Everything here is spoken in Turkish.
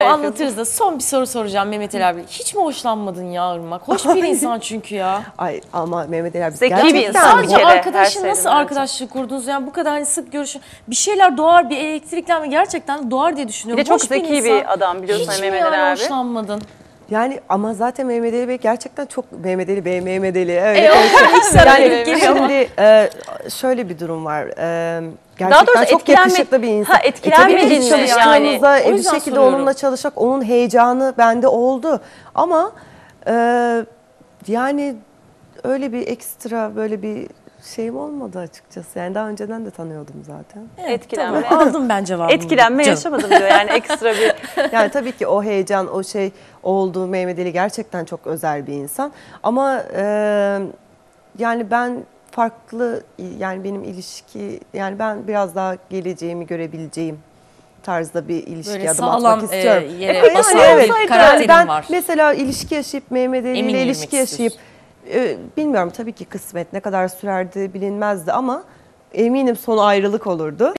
anlatırız da son bir soru soracağım Mehmet Ali abi. Hiç mi hoşlanmadın ya Irmak? Hoş bir insan çünkü ya. Ay ama Mehmet Ali abi Zeki bir gerçekten insan. Sadece Bir kere, her arkadaşın şeyden nasıl önce. arkadaşlık kurdunuz? Yani bu kadar hani sık görüşün. Bir şeyler doğar, bir elektriklenme gerçekten doğar diye Bir düşünüyorum. de çok Hoş zeki insan. bir adam biliyorsun Hiç mi Mehmet Ali yani abi. hoşlanmadın? yani ama zaten Mehmet Ali Bey gerçekten çok Mehmet Ali Bey öyle Yani geliyor ama. şimdi şöyle bir durum var. Daha Gerçekten doğrusu çok yakışıklı bir insan. etkilenmedin Tabii mi çalıştığımızda yani? O bir yüzden şekilde soruyorum. onunla çalışmak, onun heyecanı bende oldu. Ama yani öyle bir ekstra böyle bir şeyim olmadı açıkçası. Yani daha önceden de tanıyordum zaten. Etkilenme. Tamam, aldım ben cevabımı. Etkilenme Canım. yaşamadım diyor yani ekstra bir. Yani tabii ki o heyecan, o şey oldu. Mehmet Ali gerçekten çok özel bir insan. Ama yani ben farklı, yani benim ilişki, yani ben biraz daha geleceğimi görebileceğim tarzda bir ilişki Böyle adım sağlam atmak istiyorum. yere Yani basan evet. bir Yani karakterin ben var. mesela ilişki yaşayıp Mehmet Ali Emin ile yürümek ilişki yaşayıp bilmiyorum tabii ki kısmet ne kadar sürerdi bilinmezdi ama eminim sonu ayrılık olurdu.